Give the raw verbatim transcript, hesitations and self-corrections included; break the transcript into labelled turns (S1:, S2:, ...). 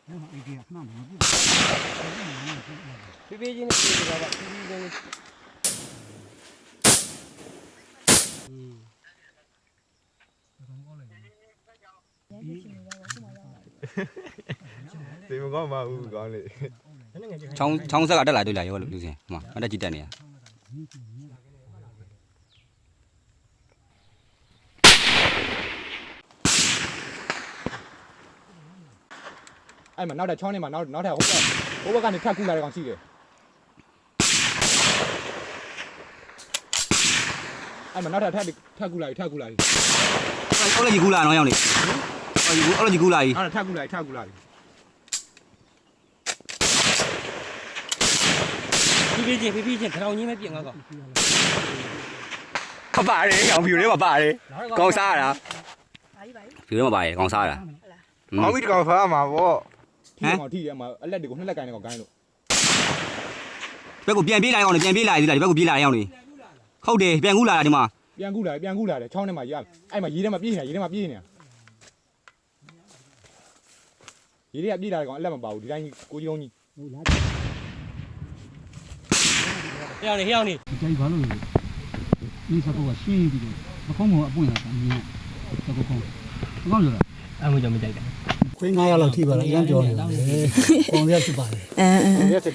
S1: ဖေးဖေးချင်းနဲ့ပြေးကြပါဖေးဖေးချင်း
S2: ဒီမကောင်းပါဘူးကောင်းလေ
S3: ချောင်းချောင်းဆက်ကတက်လာတွေ့လာရောလူစင်ဟိုမှာအတက်ကြီးတက်နေရ
S2: အဲ့မှာနောက်ထပ်ချောင်းထဲမှာနောက်နောက်ထပ်ဟိုဘက်ဟိုဘက်ကနေထပ်ကူလာတဲ့ကောင်ရှိတယ်အဲ့မှာနောက်ထပ်ထပ်ထပ်ကူလာပြီထပ်ကူလာပြီ
S3: အော်လေကြီးကူလာနော်ရောင်းနေအော်ကြီးအော်လေကြီးကူလာကြီး
S2: နောက်ထပ်ကူလာပြီထပ်ကူလာပြီ
S1: ဖေးဖေးချင်းဖေးဖေးချင်းခေါင်းကြီးမပြင်းငါကော
S3: ပပါတယ်အောင်ဖြူလေးမပါတယ်ကောင်းစားရတာ
S4: ဘာကြီးဘာကြီး
S3: ဖြူလေးမပါတယ်ကောင်းစားရတာ
S2: မောင်ကြီးတကောင်ဖားမှာပေါ့ထီးကောင်ထီးရဲမှာအလက်တွေကိုနှစ်လက်ကိုင်းနေကောင်ကိုင်းလို့
S3: ဘက်ကိုပြန်ပြေးလာအောင်လေပြန်ပြေးလာသေးလားဒီဘက်ကိုပြေးလာအောင်လေဟုတ်တယ်ပြန်ကူလာတာဒီမှာ
S2: ပြန်ကူလာပြန်ကူလာတယ်ချောင်းထဲမှာရအဲ့မှာရေထဲမှာပြေးနေတာရေထဲမှာပြေးနေတာရေထဲကပြေးလာတဲ့ကောင်အလက်မပါဘူးဒီတိုင်းကိုကြီးလုံးကြီး
S1: ဟဲ့အောင်နေဟဲ့အောင်နေ
S5: ကြိုက်ဘာလို့လဲဒီစကောကရှင်းပြီးတော့မကုန်းကအပွင့်လာတာမြင်စကောကုန်းမကောင်းကြလား
S1: အမှုကြောင့်မကြိုက်တာ
S5: ခွေး900လောက်ထိပါလားအရင်ပြောနေတာလေပုံရက်ဖြစ်ပါလေ
S4: အဲအဲ
S2: ရက်စစ်